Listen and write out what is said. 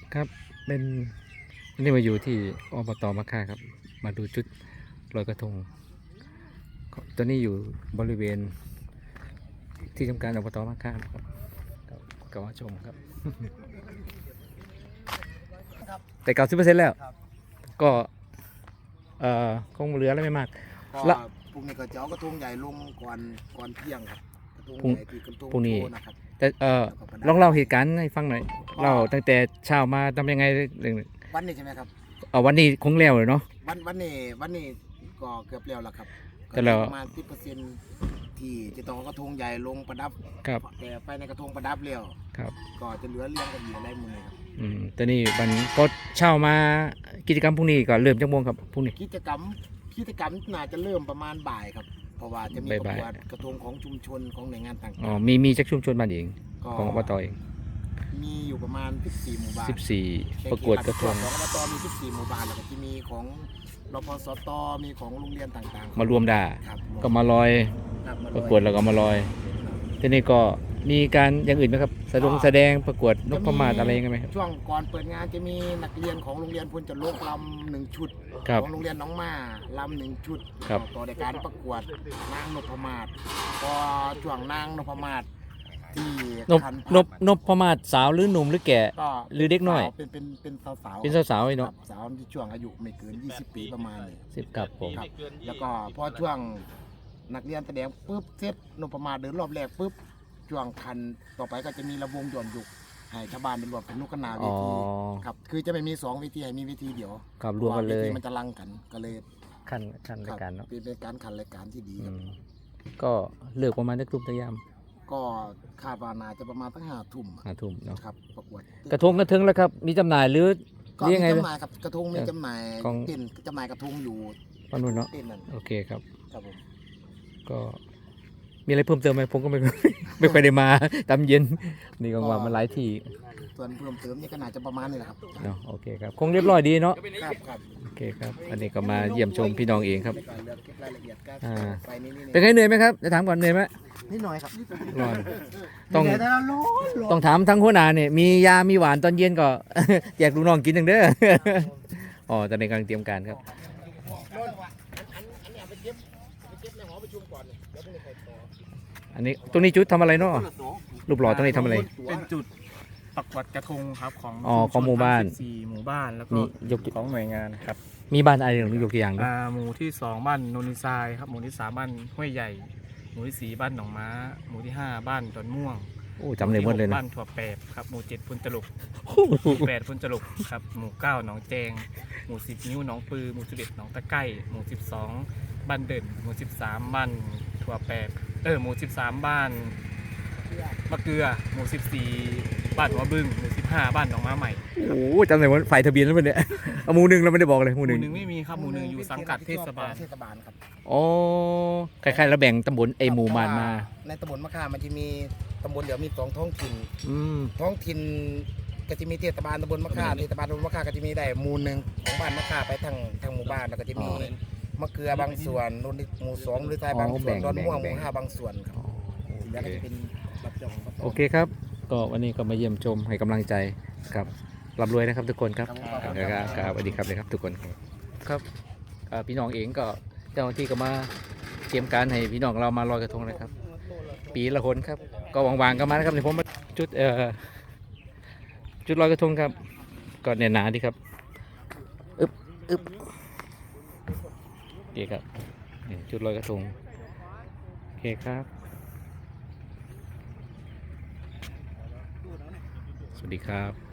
ครับเป็นนี่มาอยู่ที่อบตมะค่าครับมาดูจุดลอยกระทงตอนนี้อยู่บริเวณที่ทำการอบตมะค่าครับก็มาชมครับ แต่90%แล้วครับก็คงเหลือแล้วไม่มากก็ละพรุ่งนี้ก็จะเอากระทงใหญ่ลงก่อนเที่ยงครับกระทงพรุ่งใหญ่ที่กระทงพรุ่งนี้โชว์นะครับแต่ลองเล่าเหตุการณ์ให้ฟังหน่อยเล่าตั้งแต่เช้ามาทำยังไงเรื่องวันนี้ใช่ไหมครับวันนี้คงแล้วเลยเนาะวันนี้ก็เกือบแล้วละครับแต่เราก็ประมาณ10%ที่จะต้องเอากระทงใหญ่ลงประดับครับแต่ไปในกระทงประดับแล้วครับก็จะเหลือเลี้ยงกันอยู่อะไรหมือเลยครับแต่นี่มันก็เช้ามากิจกรรมพรุ่งนี้ก็เริ่มจังโมงครับพรุ่งนี้กิจกรรมน่าจะเริ่มประมาณบ่ายครับเพราะว่าจะมีประบ่ายกวดกระทงของชุมชนของหน่วยงานต่างอ๋อมีจากชุมชนบ้านเองๆก็ของอบตเองมีอยู่ประมาณ14หมู่บ้าน 14ประกวดกระทงของอบตมี14หมู่บ้านแล้วก็จะมีของรพสตมีของโรงเรียนต่างๆมารวมด่าครับก็มาลอยครับมาประกวดแล้วก็มาลอยทีนี้ก็มีการอย่างอื่นไหมครับแสดงประกวดนพมาศอะไรยังไงไหมครับช่วงก่อนเปิดงานจะมีนักเรียนของโรงเรียนพลจรโลกลำ1 ชุดครับของโรงเรียนน้องมาลำ1 ชุดครับต่อในการประกวดนางนพมาศพอช่วงนางนพมาศที่นพมาศสาวหรือหนุ่มหรือแก่ก็หรือเด็กน้อยเป็นสาวๆเป็นสาวๆเนาะสาวที่ช่วงอายุไม่เกิน20 ปีประมาณนี้ 10กับผมครับแล้วก็พอช่วงนักเรียนแสดงปุ๊บเสร็จนพมาศเดินรอบแรกปุ๊บช่วงคันต่อไปก็จะมีระวงหย่อนยุกให้ชาวบ้านเป็นรวมเป็นลูกกระนาเวอ๋อทีครับคือจะไม่มี2 เวทีให้มีเวทีเดียวกับรวมกันเลยพราะาทีมันจะลังกันก็เลยขั้นรายการเนาะเป็นการขันรายการที่ดีครับก็เลือกประมาณนักทุ่มตะยามก็คาดว่าน่าจะประมาณตั้ง5 ทุ่ม 5 ทุ่มเนาะครับประกวดกระทงกระเทิงแล้วครับมีจำหน่ายหรือก็เรียมีงไงจำหน่ายครับกระทงมีจำหน่ายของเต้นจำหน่ายกระทงอยู่ปานุ่นเนาะเต้นนั่นโอเคครับครับผมก็มีอะไรเพิ่มเติมไหมผมก็ไม่ ไม่ค่อยได้มาตามเย็นนี่ก็ว่ามันหลายที่ส่วนเพิ่มเติมนี่ก็น่าจะประมาณนี้แหละครับเนาะโอเคครับคงเรียบร้อยดีเนาะครับโอเคครับอันนี้ก็มาเยี่ยมชมพี่น้องเองครับในการเลือกเก็บรายละเอียดก็อ่าไปนี่เป็นไงเหนื่อยไหมครับจะถามก่อนเหนื่อยไหมนิดหน่อยครับร้อนต้องเหนื่ยแต่เราร้อนต้องถามทั้งหัวหน้าเนี่ยมียามีหวานตอนเย็นก็ แจกลูกน้องกินอย่างเด้อ อ๋อตอนนี้กำลังเตรียมการครับอันนี้เอาไปเก็บในหอประชุมก่อนเดี๋ยวพรุ่งนี้ใครต่ออันนี้ตรงนี้จุดทำอะไรเนาะรูปหล่อตรงนี้ทำอะไรเป็นจุดประกวดกระทงครับของอ๋อของหมู่บ้าน 14หมู่บ้านแล้วก็มียกของหน่วยงานครับมีบ้านอะไรหรือยกตัวอย่างดิหมู่ที่ 2 บ้านโนนนิทรายครับหมู่ที่ 3 บ้านห้วยใหญ่ หมู่ที่ 4 บ้านหนองม้า หมู่ที่ 5 บ้านดอนม่วงโอ้จำเลยหมดเลยหนะบ้านถั่วแปบครับหมู่ 7 พุนจลุกหมู่ 8 พุนจลุกครับหมู่ 9 หนองแจงหมู่ 10 นิ้วหนองปือหมู่ 11 หนองตะไก้หมู่ 12 บ้านเด่นหมู่ 13 บ้านถั่วแปบหมู่ 13 บ้านมะเกลือหมู่ 14 บ้านหัวบึงหมู่ 15 บ้านหนองม้าใหม่โอ้จำเลยว่าไฟทะเบียนแล้วมันเนี่ย เอาหมู่หนึ่งเราไม่ได้บอกเลยหมู่หหนึ่มู่งหนึ่งไม่มีครับหมู่หนึ่งอยู่สังกัดเทศบาลเทศบาลครับอ๋อคล้ายๆเราแบ่งตำบลไอหมู่บ้านมาในตำบลมะขามมันจะมีตำบลเดี๋ยวมี2 ท้องถิ่นอืมท้องถิ่นก็จะมีเทศบาลตำบลมะขามเทศบาลตำบลมะขามก็จะมีได้หมู่หนึ่งของบ้านมะขามไปทางหมู่บ้านแล้วก็จะมีมะเกลือบางส่วนนู่นหมู่2หรือใต้บางส่วนดอนม่วงหมู่5บางส่วนครับที่แล้วก็จะเป็นรับจองรับจงโอเคครับ ก็วันนี้ก็มาเยี่ยมชมให้กำลังใจครับร่ำรวยนะครับทุกคนครับครับสวัสดีครับเลยครับทุกคนครับพี่น้องเองก็เจ้าหน้าที่ก็มาเตรียมการให้พี่น้องเรามาลอยกระทงนะครับ ปีละคนครับ ก็วางๆก็มานะครับเดี๋ยวผมมาจุดจุดลอยกระทงครับก็แน่นหนาดีครับอึบโอเคครับนี่จุดลอยกระทงโอเคครับสวัสดีครับ